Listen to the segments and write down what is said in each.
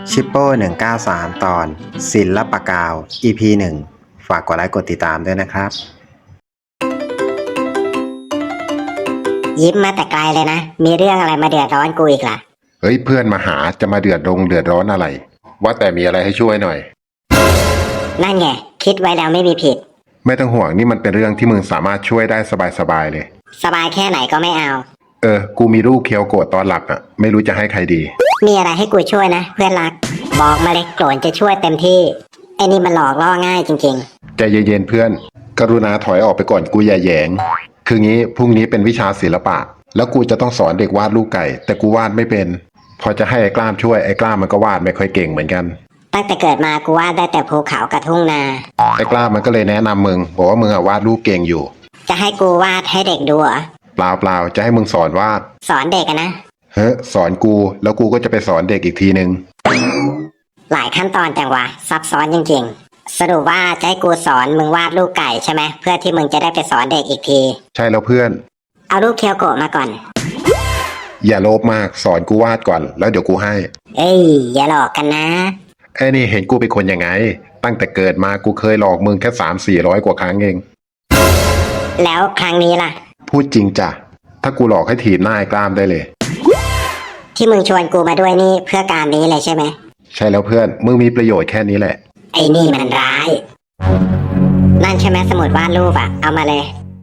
ชิปโป้193 ตอนศิลปกาว EP 1 ฝากกดไลค์กดติดตามด้วยนะครับยิ้มมาแต่ไกลเลยนะ มีเรื่องอะไรมาเดือดร้อนกูอีกล่ะเฮ้ยเพื่อนมาหาจะมาเดือดร้อนอะไร ว่าแต่มีอะไรให้ช่วยหน่อยนั่นไงคิดไว้แล้วไม่มีผิดไม่ต้องห่วงนี่มันเป็นเรื่องที่มึงสามารถช่วยได้สบายเลยสบายแค่ไหนก็ไม่เอากูมีรูปเคียวโกะตอนหลับอ่ะไม่รู้จะให้ใครดีมีอะไรให้กูช่วยนะเพื่อนรัก บอกมาเลยโกรนจะช่วยเต็มที่ไอ้นี่มันหลอกล่อง่ายจริงใจเย็นๆเพื่อน กรุณาถอยออกไปก่อนกูอย่าแหยง คืองี้พรุ่งนี้เป็นวิชาศิลปะ แล้วกูจะต้องสอนเด็กวาดลูกไก่ แต่กูวาดไม่เป็น พอจะให้ไอ้กล้ามช่วยไอ้กล้ามมันก็วาดไม่ค่อยเก่งเหมือนกันๆ ตั้งแต่เกิดมากูวาดได้แต่ภูเขากับทุ่งนาไอ้กล้ามมันก็เลยแนะนำมึงบอกว่ามึงอะวาดรูปเก่งอยู่จะให้กูวาดให้เด็กดูเหรอเปล่าจะให้มึงสอนวาดสอนเด็กอะนะเฮ้ยสอนกูแล้วกูก็จะไปสอนเด็กอีกทีนึงหลายขั้นตอนจังวะซับซ้อนจริงๆ สรุปว่าจะให้กูสอนมึงวาดลูกไก่ใช่ไหมเพื่อที่มึงจะได้ไปสอนเด็กอีกทีใช่แล้วเพื่อนเอารูปเคียวโกะมาก่อนอย่าโลภมากสอนกูวาดก่อนแล้วเดี๋ยวกูให้เอ้ยอย่าหลอกกันนะไอ้นี่เห็นกูเป็นคนยังไง ตั้งแต่เกิดมากูเคยหลอกมึงแค่300-400 กว่าครั้งเองแล้วครั้งนี้ล่ะพูดจริงจ้ะถ้ากูหลอกให้ถีบหน้าไอ้กล้ามได้เลยที่มึงชวนกูมาด้วยนี่เพื่อการนี้เลยใช่ไหมใช่แล้วเพื่อนมึงมีประโยชน์แค่นี้แหละไอ้นี่มันร้าย นั่นใช่ไหมสมุดวาดรูปอะเอามาเลย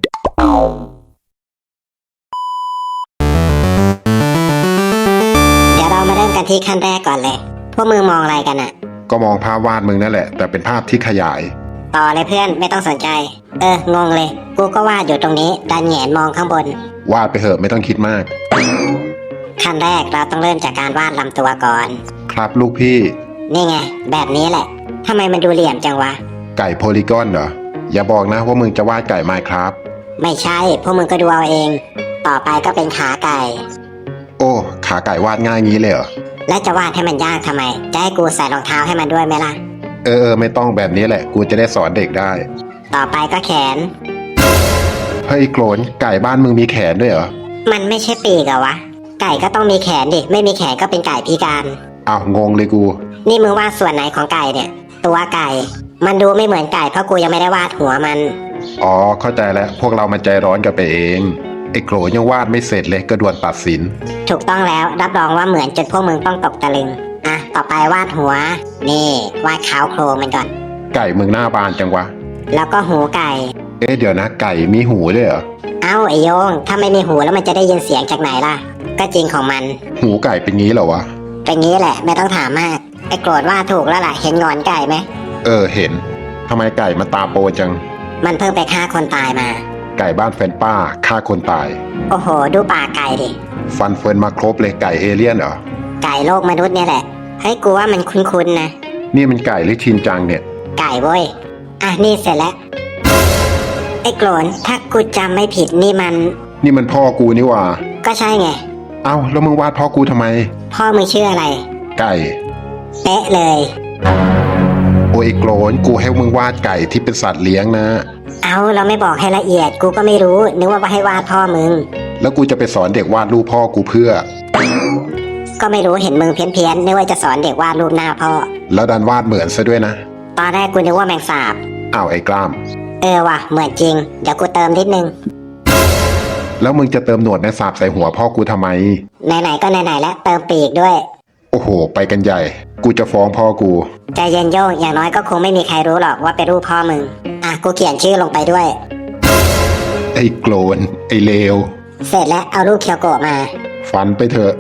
เดี๋ยวเรามาเริ่มกันที่ขั้นแรกก่อนเลย พวกมึงมองอะไรกันอะก็มองภาพวาดมึงนั่นแหละ แต่เป็นภาพที่ขยายต่อเลยเพื่อนไม่ต้องสนใจ งงเลย กูก็วาดอยู่ตรงนี้ดันแหงนมองข้างบนวาดไปเถอะไม่ต้องคิดมากขั้นแรกเราต้องเริ่มจากการวาดลำตัวก่อนครับลูกพี่นี่ไง แบบนี้แหละทำไมมันดูเหลี่ยมจังวะไก่โพลีกอนเหรออย่าบอกนะว่ามึงจะวาดไก่ไมน์ครับไม่ใช่พวกมึงก็ดูเอาเอง ต่อไปก็เป็นขาไก่โอ้ขาไก่วาดง่ายงี้เลยเหรอและจะวาดให้มันยากทำไม จะให้กูใส่รองเท้าให้มันด้วยไหมล่ะไม่ต้องแบบนี้แหละ กูจะได้สอนเด็กได้ต่อไปก็แขนเฮ้ยโกรนไก่บ้านมึงมีแขนด้วยเหรอมันไม่ใช่ปีกเหรอวะ ไก่ก็ต้องมีแขนดิ ไม่มีแขนก็เป็นไก่พิการอ้าวงงเลยกูนี่มึงวาดส่วนไหนของไก่เนี่ย ตัวไก่ มันดูไม่เหมือนไก่เพราะกูยังไม่ได้วาดหัวมันอ๋อเข้าใจแล้วพวกเรามันใจร้อนกันไปเองไอ้โกรนยังวาดไม่เสร็จเลยก็ด่วนตัดสินถูกต้องแล้วรับรองว่าเหมือนจนพวกมึงต้องตกตะลึง อ่ะ ต่อไปวาดหัว นี่วาดขาวโครงมันก่อนไก่มึงหน้าบานจังวะแล้วก็หูไก่เดี๋ยวนะไก่มีหูด้วยเหรอเอ้าไอโยง ถ้าไม่มีหูแล้วมันจะได้ยินเสียงจากไหนล่ะ ก็จริงของมันหูไก่เป็นงี้เหรอวะเป็นงี้แหละไม่ต้องถามมาก ไอโกรธว่าถูกแล้วล่ะ เห็นงอนไก่ไหมเห็นทำไมไก่มันตาโปจังมันเพิ่งไปฆ่าคนตายมาไก่บ้านแฟนป้าฆ่าคนตายโอ้โห ดูปากไก่ดิฟันเฟิร์นมาครบเลยไก่เอเลี่ยนเหรอไก่โลกมนุษย์เนี่ยแหละ เฮ้ยกูว่ามันคุ้นๆนะนี่มันไก่หรือชินจังเนี่ยไก่เว้ย อ่ะนี่เสร็จแล้ว ไอ้โกรนถ้ากูจำไม่ผิดนี่มันนี่มันพ่อกูนี่หว่าก็ใช่ไงเอ้าแล้วมึงวาดพ่อกูทำไมพ่อมึงชื่ออะไรไก่เป๊ะเลยโอ้ยโกรนกูให้มึงวาดไก่ที่เป็นสัตว์เลี้ยงนะเอาเราไม่บอกให้ละเอียด กูก็ไม่รู้ นึกว่าให้วาดพ่อมึงแล้วกูจะไปสอนเด็กวาดรูปพ่อกูเพื่อก็ไม่รู้เห็นมึงเพี้ยนๆนึกว่าจะสอนเด็กวาดรูปหน้าพ่อแล้วดันวาดเหมือนซะด้วยนะตอนแรกกูนึกว่าแมงสาบอ้าวไอ้กล้ามว่ะ เหมือนจริง เดี๋ยวกูเติมนิดนึงแล้วมึงจะเติมหนวดในสาบใส่หัวพ่อกูทำไมไหนๆก็ไหนๆแล้วเติมปีกด้วยโอ้โห ไปกันใหญ่ กูจะฟ้องพ่อกูใจเย็นโยงอย่างน้อยก็คงไม่มีใครรู้หรอกว่าเป็นรูปพ่อมึง อ่ะกูเขียนชื่อลงไปด้วยไอ้โกรนไอ้เลวเสร็จแล้วเอารูปเคียวโกะมาฟันไปเถอะ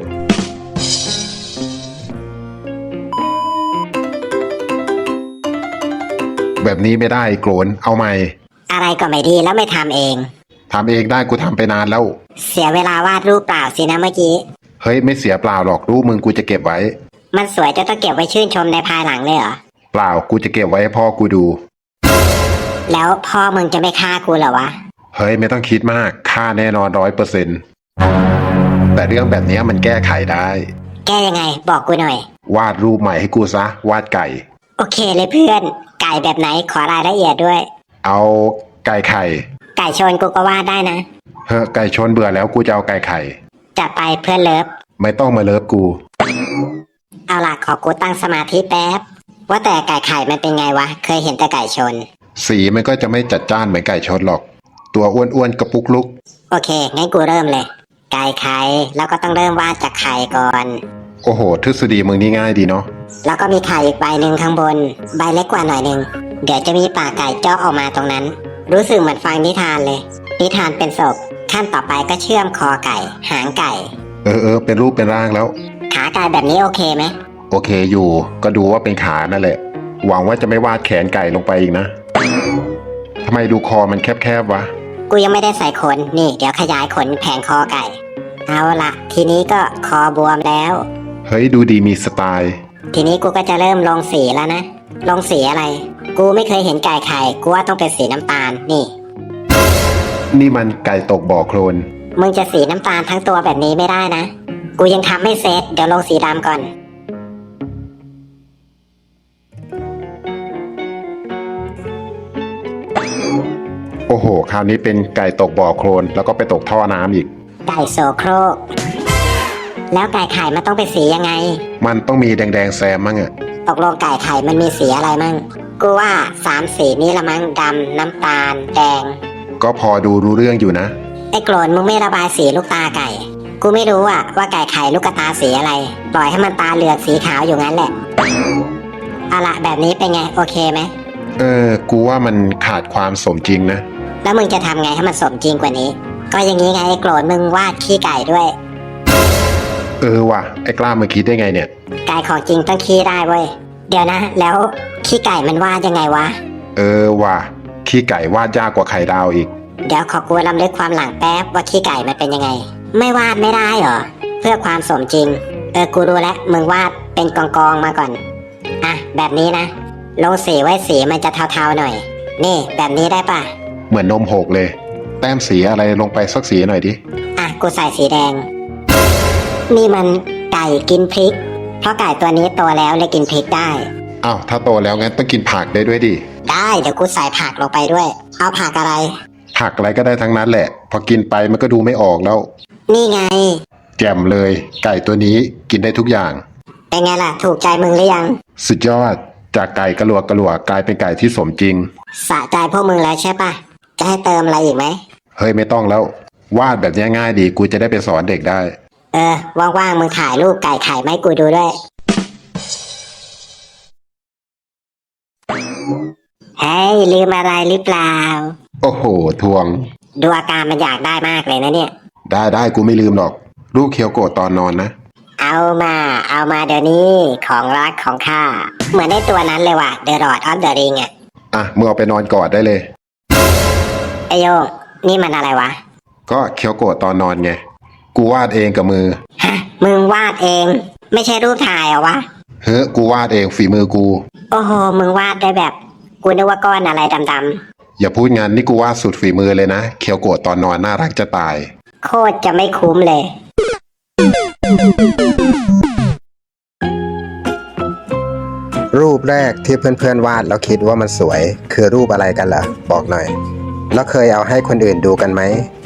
แบบนี้ไม่ได้โกรนเอาใหม่อะไรก็ไม่ดีแล้วไม่ทำเองทำเองได้กูทำไปนานแล้วเสียเวลาวาดรูปเปล่าสินะเมื่อกี้เฮ้ยไม่เสียเปล่าหรอกรูปมึงกูจะเก็บไว้มันสวยจะต้องเก็บไว้ชื่นชมในภายหลังเลยเหรอเปล่ากูจะเก็บไว้ให้พ่อกูดูแล้วพ่อมึงจะไม่ฆ่ากูเหรอวะเฮ้ยไม่ต้องคิดมากค่าแน่นอน100%แต่เรื่องแบบนี้มันแก้ไขได้แก้ยังไงบอกกูหน่อยวาดรูปใหม่ให้กูซะวาดไก่โอเคเลยเพื่อน ไก่แบบไหนขอรายละเอียดด้วยเอาไก่ไข่ไก่ชนกูก็วาดได้นะเฮ้ยไก่ชนเบื่อแล้วกูจะเอาไก่ไข่จัดไปเพื่อนเลิฟไม่ต้องมาเลิฟกูเอาล่ะขอกูตั้งสมาธิแป๊บ ว่าแต่ไก่ไข่มันเป็นไงวะ เคยเห็นแต่ไก่ชนสีมันก็จะไม่จัดจ้านเหมือนไก่ชนหรอก ตัวอ้วนๆกระปุกลุกโอเค งั้นกูเริ่มเลย ไก่ไข่แล้วก็ต้องเริ่มวาดจากไข่ก่อนโอ้โหทฤษฎีมึงนี่ง่ายดีเนาะแล้วก็มีไข่อีกใบหนึ่งข้างบน ใบเล็กกว่าหน่อยหนึ่งเดี๋ยวจะมีปากไก่เจาะออกมาตรงนั้น รู้สึกเหมือนฟังนิทานเลย นิทานเป็นศพขั้นต่อไปก็เชื่อมคอไก่ หางไก่เป็นรูปเป็นร่างแล้วขาไก่แบบนี้โอเคไหมโอเคอยู่ ก็ดูว่าเป็นขานั่นแหละ หวังว่าจะไม่วาดแขนไก่ลงไปอีกนะทำไมดูคอมันแคบๆวะกูยังไม่ได้ใส่ขนนี่เดี๋ยวขยายขนแผงคอไก่ เอาละทีนี้ก็คอบวมแล้วเฮ้ยดูดีมีสไตล์ทีนี้กูก็จะเริ่มลงสีแล้วนะลงสีอะไร กูไม่เคยเห็นไก่ไข่กูว่าต้องเป็นสีน้ำตาลนี่นี่มันไก่ตกบ่อโคลนมึงจะสีน้ำตาลทั้งตัวแบบนี้ไม่ได้นะ กูยังทำไม่เสร็จเดี๋ยวลงสีดำก่อนโอ้โห คราวนี้เป็นไก่ตกบ่อโคลนแล้วก็ไปตกท่อน้ำอีกไก่โซโครก แล้วไก่ไข่มันต้องเป็นสียังไงมันต้องมีแดงๆแซมมั่งอะตกลงไก่ไข่มันมีสีอะไรมั่ง กูว่า3 สีนี้ละมั้งดำน้ำตาล แดงก็พอดูรู้เรื่องอยู่นะไอ้โกรนมึงไม่ระบายสีลูกตาไก่ กูไม่รู้อะว่าไก่ไข่ลูกตาสีอะไร ปล่อยให้มันตาเหลือกสีขาวอยู่งั้นแหละเอาละแบบนี้เป็นไงโอเคไหมกูว่ามันขาดความสมจริงนะแล้วมึงจะทำไงให้มันสมจริงกว่านี้ ก็อย่างนี้ไงไอ้โกรนมึงวาดขี้ไก่ด้วยว่ะไอ้กล้ามึงคิดได้ไงเนี่ยไก่ของจริงต้องขี้ได้เว้ย เดี๋ยวนะ แล้วขี้ไก่มันวาดยังไงวะว่ะขี้ไก่วาดยากกว่าไข่ดาวอีกเดี๋ยวขอกูรำลึกความหลังแป๊บว่าขี้ไก่มันเป็นยังไง ไม่วาดไม่ได้เหรอ เพื่อความสมจริง กูรู้แล้วมึงวาดเป็นกองๆมาก่อน อ่ะแบบนี้นะ ลงสีไว้สีมันจะเทาๆหน่อย นี่แบบนี้ได้ปะเหมือนนมหกเลย แต้มสีอะไรลงไปสักสีหน่อยดิอ่ะกูใส่สีแดง นี่มันไก่กินพริก เพราะไก่ตัวนี้โตแล้วเลยกินพริกได้อ้าวถ้าโตแล้วงั้นต้องกินผักได้ด้วยดิได้เดี๋ยวกูใส่ผักลงไปด้วย เอาผักอะไรผักอะไรก็ได้ทั้งนั้นแหละ พอกินไปมันก็ดูไม่ออกแล้วนี่ไงแจ่มเลย ไก่ตัวนี้กินได้ทุกอย่างเป็นไงล่ะ ถูกใจมึงหรือยังสุดยอด จากไก่กระหลวกกลายเป็นไก่ที่สมจริงสะใจพวกมึงแล้วใช่ปะจะให้เติมอะไรอีกไหมเฮ้ยไม่ต้องแล้ว วาดแบบนี้ง่ายดี กูจะได้ไปสอนเด็กได้ว่างๆมึงถ่ายรูปไก่ไข่มาให้กูดูด้วย เฮ้ยลืมอะไรหรือเปล่าโอ้โห ทวงดูอาการมันอยากได้มากเลยนะเนี่ยได้กูไม่ลืมหรอก รูปเคียวโกะตอนนอนนะเอามาเดี๋ยวนี้ของรักของข้า เหมือนได้ตัวนั้นเลยว่ะ The Lord of the Ring อ่ะอ่ะมึงเอาไปนอนกอดได้เลยไอโยงนี่มันอะไรวะก็เคียวโกะตอนนอนไง กูวาดเองกับมือฮะ มึงวาดเอง ไม่ใช่รูปถ่ายเหรอวะเฮ้ยกูวาดเองฝีมือกูโอ้โห มึงวาดได้แบบ กูนึกว่าก้อนอะไรดำอย่าพูดงานนี่กูวาดสุดฝีมือเลยนะ เคียวโกะตอนนอนน่ารักจะตายๆ โคตรจะไม่คุ้มเลยรูปแรกที่เพื่อนๆวาดแล้วคิดว่ามันสวย คือรูปอะไรกันล่ะ บอกหน่อย แล้วเคยเอาให้คนอื่นดูกันไหม